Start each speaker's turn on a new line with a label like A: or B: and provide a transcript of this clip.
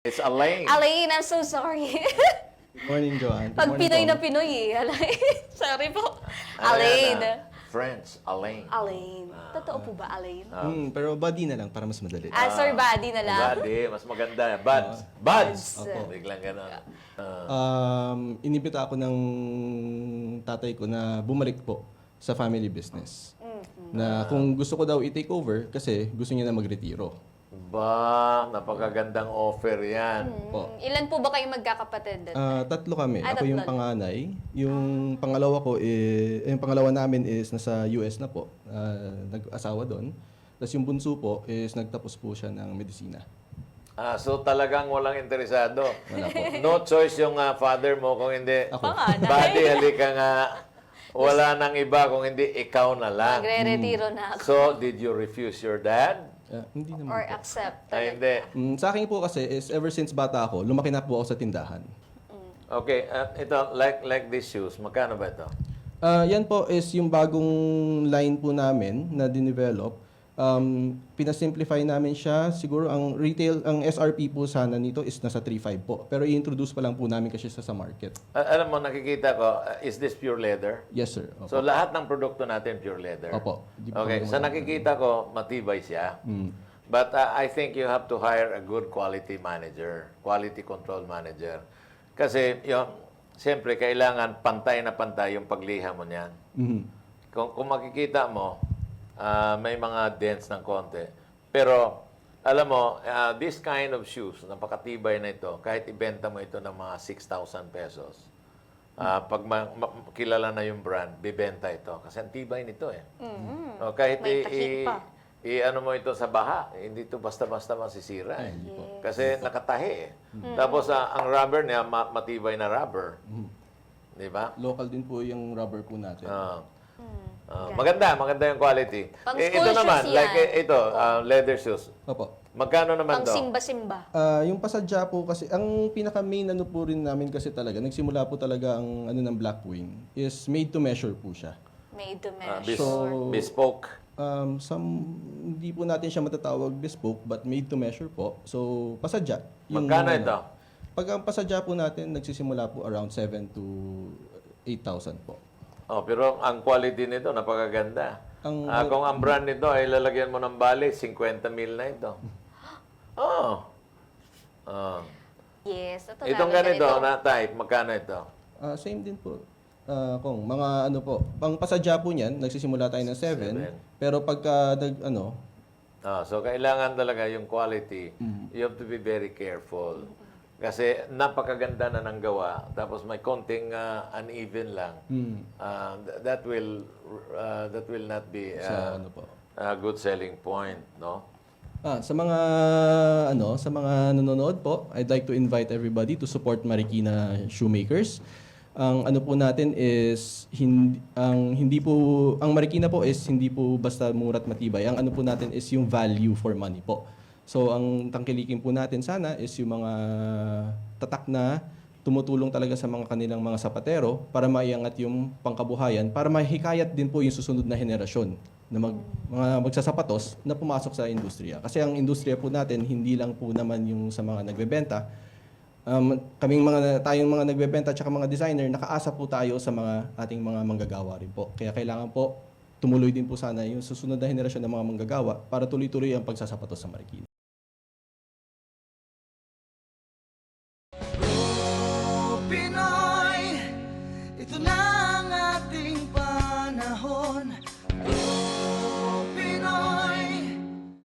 A: It's Elaine.
B: Alain, I'm so sorry.
C: Good morning, Joanne. Good
B: Pag
C: morning,
B: Pinoy
C: Tom.
B: na Pinoy eh. Alain. Sorry po.
A: Ano yan,
B: Alain.
A: French, Elaine.
B: Alain. Totoo po ba, Alain?
C: Pero body na lang para mas madali.
B: Sir Buddy na lang.
A: Buddy, mas maganda. Buds. Buds.
B: Opo.
A: Biglang gano'n.
C: Inibita ako ng tatay ko na bumalik po sa family business. Na kung gusto ko daw i-take over kasi gusto niya na magretiro.
A: Ba, napakagandang offer yan.
C: Po.
B: Ilan po ba kayong magkakapatid?
C: Tatlo kami.
B: Ah,
C: Ako yung
B: tatlo.
C: panganay. Yung pangalawa ko yung pangalawa namin is nasa US na po. Nag-asawa doon. Tapos yung bunso po is nagtapos po siya ng medisina.
A: So talagang walang interesado.
C: Wala po.
A: No choice yung father mo kung hindi.
C: Ako.
B: Panganay.
A: Buddy, halika nga. Wala nang iba kung hindi ikaw na lang.
B: Magre-retiro na ako.
A: So, did you refuse your dad?
C: Hindi naman
B: Or
C: po.
B: accept.
A: Ay, hindi.
C: Sa akin po kasi is ever since bata ako, lumaki na po ako sa tindahan.
A: Okay, ito, like these shoes, magkano ba ito?
C: Yan po is yung bagong line po namin na dinevelop. Pinasimplify namin siya. Siguro ang retail, ang SRP po sana nito is nasa 3.5 po. Pero i-introduce pa lang po namin kasi sa market.
A: Alam mo, nakikita ko, is this pure leather?
C: Yes, sir. Opo.
A: So, lahat ng produkto natin pure leather?
C: Opo. Di po
A: Okay,
C: kami
A: sa nakikita ko, matibay siya. But I think you have to hire a good quality manager, quality control manager. Kasi, siyempre, kailangan pantay na pantay yung pagliha mo niyan. Kung makikita mo, may mga dents ng konti. Pero, alam mo, this kind of shoes, napakatibay na ito, kahit ibenta mo ito ng mga 6,000 pesos, pag kilala na yung brand, bibenta ito. Kasi ang tibay nito eh. O, kahit
B: May takip pa.
A: ano mo ito sa baha, hindi ito basta-basta masisira eh. Kasi nakatahi eh. Tapos, ang rubber niya, matibay na rubber. Di ba?
C: Local din po yung rubber po natin.
A: Maganda yung quality.
B: Pang
A: Ito
B: school
A: naman,
B: shoes yan.
A: like ito, leather shoes.
C: Opo.
A: Magkano naman
B: Pang
A: to?
B: simba-simba.
C: Yung pasadya po kasi, ang pinaka-main ano po rin namin kasi talaga, nagsimula po talaga ang ano ng Blackwing is made to measure po siya.
B: Made to
A: Bis-
B: measure.
A: bespoke.
C: Hindi po natin siya matatawag bespoke but made to measure po. So, pasadya.
A: Magkano ito?
C: Pag ang pasadya po natin, nagsisimula po around 7 to 8,000 po.
A: Pero ang quality nito, napakaganda. Kung ang brand nito ay lalagyan mo ng bali, 50 mil na ito.
B: Yes. Ito
A: Itong
B: namin
A: ganito, na type, magkano ito?
C: Same din po. Kung mga ano po, pang pasadya po niyan, nagsisimula tayo ng 7. Pero pagka
A: So, kailangan talaga yung quality. You have to be very careful. Kasi napakaganda na ng gawa, tapos may konting uneven lang. That will not be
C: sa ano po.
A: a good selling point, no?
C: Sa mga sa mga nanonood po, I'd like to invite everybody to support Marikina Shoemakers. Ang ano po natin is ang Marikina po is hindi po basta mura't matibay. Ang ano po natin is yung value for money po. So ang tangkilikin po natin sana is yung mga tatak na tumutulong talaga sa mga kanilang mga sapatero para maiangat yung pangkabuhayan, para mahikayat din po yung susunod na henerasyon na mga magsasapatos na pumasok sa industriya. Kasi ang industriya po natin hindi lang po naman yung sa mga nagbebenta. Tayong mga nagbebenta at mga designer, nakaasa po tayo sa mga ating mga manggagawa rin po. Kaya kailangan po tumuloy din po sana yung susunod na henerasyon ng mga manggagawa para tuloy-tuloy ang pagsasapatos sa Marikina.
D: Pinoy, ito na ang ating panahon.